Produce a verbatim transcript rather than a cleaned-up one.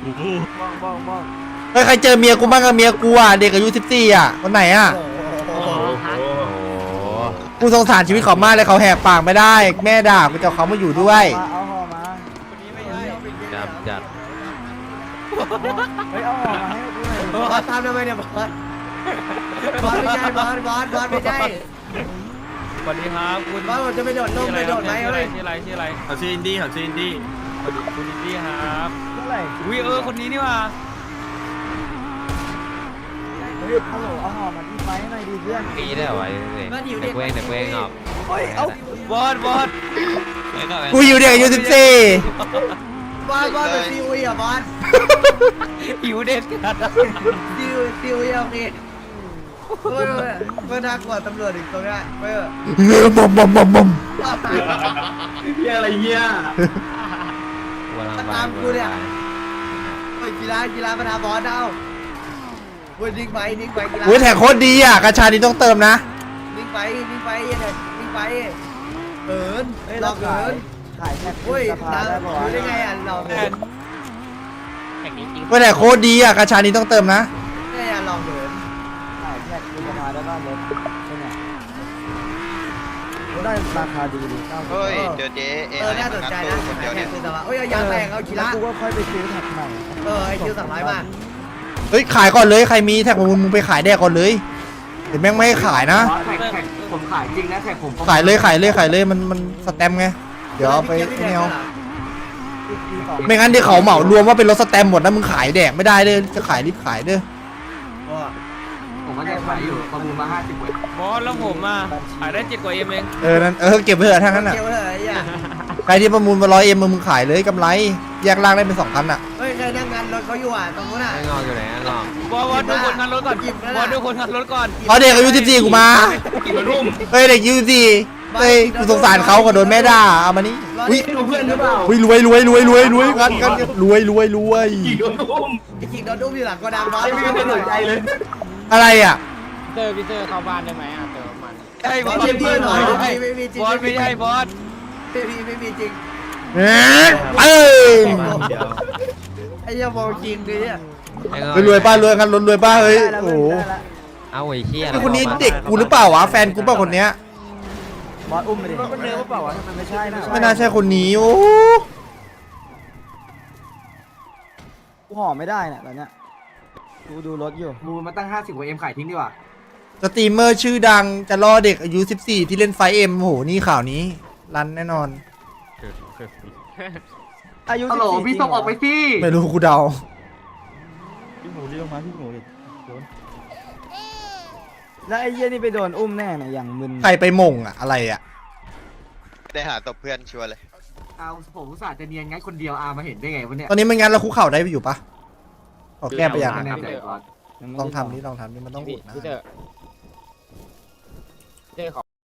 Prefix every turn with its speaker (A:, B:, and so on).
A: บ้องบ้องบ้อง
B: เฮ้ยใครเจอเมียกูบ้างกับเมียกูอ่ะเด็กอายุสิบสี่อ่ะคนไหนอ่ะกูสงสารชีวิตเขามากเลยเขาแหกปากไม่ได้แม่ด่ากูจะเอาเขามาอยู่ด้วย
A: เอาห่อมา
C: จับจัด
A: เฮ้ยเอาห่อมาให้กูหน่อย
D: บอสตามทำไมเนี่ยบอสบอสไม่ใช่บอสบอสบอสไม่ใช่
C: สวัสดีครับคุณ
D: บอสผมจะไปโดดลงไปโดดไหม
C: ชื่ออะไร
D: เฮ้ย
C: ชื่ออะไรชื่ออะไร
E: เขาชื่ออินดี้เขาชื่ออินดี้
C: คุณอินดี้ครับ
A: เท่าไหร่
C: วิเออคนนี้นี่ว่า
A: เฮ้ยฮัลโหลเอาห่อมาที่ไฟหน่อยดิเพื่อน
F: ปีได้เหรอวะเด็กเว้งเด็กเว้งออก
A: เฮ้ยเอา
C: บอสบอส
B: กูอยู่เด็กอายุสิบสี่
D: บอสบอสเป็นซีอุยอ่ะบอส
C: หิวเด็ดกัน
D: ซีอุยซีอุยโอเคเฮ้ยเมื่อน่ากลัวตำรวจอีกตรงนี้เฮ้ย
B: บอมบอมบอมบอม
E: เฮียอะไรเฮีย
D: ตามกูเนี่ยเฮ้ยกีฬากีฬาประธานบอสเอาเฮ้ยนิ่งไปนิ่งไปกีฬา
B: โอ้ยแท็กโคตรดีอ่ะกระชานี้ต้องเติมนะ
D: นิ่งไปนิ่งไปเนี่ยนิ่งไปเกิน
A: เฮ้ย
D: เรา
A: เรา
D: เกิ
A: ขาย
D: น
A: ขายแท็ก
D: เฮ้ย
A: สภา
D: เรา
A: ได้ป่าว
D: รู้ได้
A: ะ
D: ไงอ่ะเรา
C: แท
D: เกิ
C: น
D: น
B: โอ้ยแท็กโคตรดีอ่ะกระชานี้ต้องเติมนะ
D: ได้อ่ะลองเกิน
A: ขายแท็กสภาได้ป่ะรถใช่ไหมก็ได้ราคาดีดีเก้าสิบ
G: เฮ้ยเจอเจ๊เอ
D: เออน่าสนใจนะ
G: คนเดียวเนี่ย
D: คือแต่ว่าเอ้ยยางแตกเอากีฬา
A: กูก็ค่อยไปซื้อแท็กใหม่
D: เออไอคิวสามร้อยมา
B: เฮ้ยขายก่อนเลยใครมีแท็กมึงมึงไปขายแดกก่อนเลยเดี๋ยวแม่งไม่ให้ขายนะ
E: แท็กแท็กผมขายจริงนะแท็กผม
B: ขายเลยขายเลยขายเลยมันมันสแตมป์ไงเดี๋ยวเอาไปไอ้เนี่ยเอา
A: ปีสอง
B: ไม่งั้นเดี๋ยวเขาเหมารวมว่าเป็นรถสแตมป์หมดนะมึงขายแดกไม่ได้เด้อจะขายรีบขายเด้อ
E: ผมก็จะขายอยู่ประมูลมาห้าสิบเว้ย
C: บอสแล้วผมอ่ะขายได้เจ็ดกว่าเอ็มเอง
B: เออนั่นเออเก็บไว้เถอะทั้งนั้นอ่ะ
D: เกี่ยวเลยไอ้เหี้ย
B: ใครที่ประมูลมาร้อยเอ็มมึงขายเลยกำไรแยกล่างได้เป็นสองพันอ่ะ
D: เฮ้ยเคยนั่งงานรถเขาอยู่อ่ะตรงนู้นอ่ะ
F: ไม่งอกอยู่ไหนงอก
C: บอสบอสดูคนงานรถก่อนบอสดูคนงานรถก่อน
B: เอาเด็กอายุสิบสี่กูมาเฮ้ยเด็กอายุสิบสี่เฮ้ยกูสงสารเขาก็โดนแม่ด่าเอามานี่อุ้ย
E: ดูเพื่อนหรือเปล่า
B: อุ้ยรวยรวยรวยรวยรวยกันกันรวยรวยรวย
E: กี่โดนอุ้ม
D: ไอ้จริงโดนดุ้มอยู่หลังกระดังบอส
E: ไม่มีใครสนใจเลย
B: อะไรอ่ะ
F: เตอร์พี่เตอร์เข้าบ้านได้ไหมอ่ะเติมมัน
C: ไอ้บบ อ
D: อ
C: ส
D: สไม่มีหน่อยไม่มีไม่มีจริง
C: บอสไม่ใช่บอส
D: ไม่มีไม่มีจริง
B: เอ๊ะเอ้ย
D: ไอ้เหี้ยมองจริงเลยเนี่ย
B: รวยป้ารวยกันรวยป้าเฮ้ย
A: ได้แล้ว
B: โอ้
A: เพื่
B: โห
A: อนได้แล้ว
F: เอาไอ้เชี่ย
B: นี่คนนี้เด็กกูหรือเปล่าวะแฟนกูเปล่าคนเนี้ย
A: บอสอุ้มไปดิก็เนื้อเปล่าวะทำไมไม่ใช่นะ
B: ไม่น่าใช่คนนี้โอ้
A: กูห่อไม่ได้เนี่ยตอนเนี้ยกูดูรถอยู่
E: มูลมาตั้งห้าสิบกว่าเอ็มขายทิ้งดีกว่า
B: สตรีมเมอร์ชื่อดังจะล่อเด็กอายุสิบสี่ที่เล่นไฟเอ็มโหนี่ข่าวนี้รันแน่นอน
A: อายุ
E: ฮัลโหล
A: สิบสี่
E: พี่ส่งออกไปสิ
B: ไม่รู้กูเดา
A: พี่หมูรีบลงมาพี่หมูดิโดนแล้วไอ้เหี้ยนี่ไปโดนอุ้มแน่น่ะอย่างมึน
B: ใครไปหม่งอะอะไรอะ
G: ได้หาตบเพื่อนชัวร์เลย
E: เอาผมอุตส่าห์จะเนียนงั้นคนเดียวอามาเห็นได้ไงวะเนี่ย
B: ตอนนี้มันงั้นเราคุกเข่าได้อยู่ปะขอแก้ไปอย่าง
E: ไม่
B: นะ
E: แน่ใจก่อน
A: ยังไม่
B: ล
A: ได้
B: องทำนี่ลองทำนี่มันต้อง
F: พี่
B: อุดนะ
F: พี่เตอร์พี่เตอร์ขอ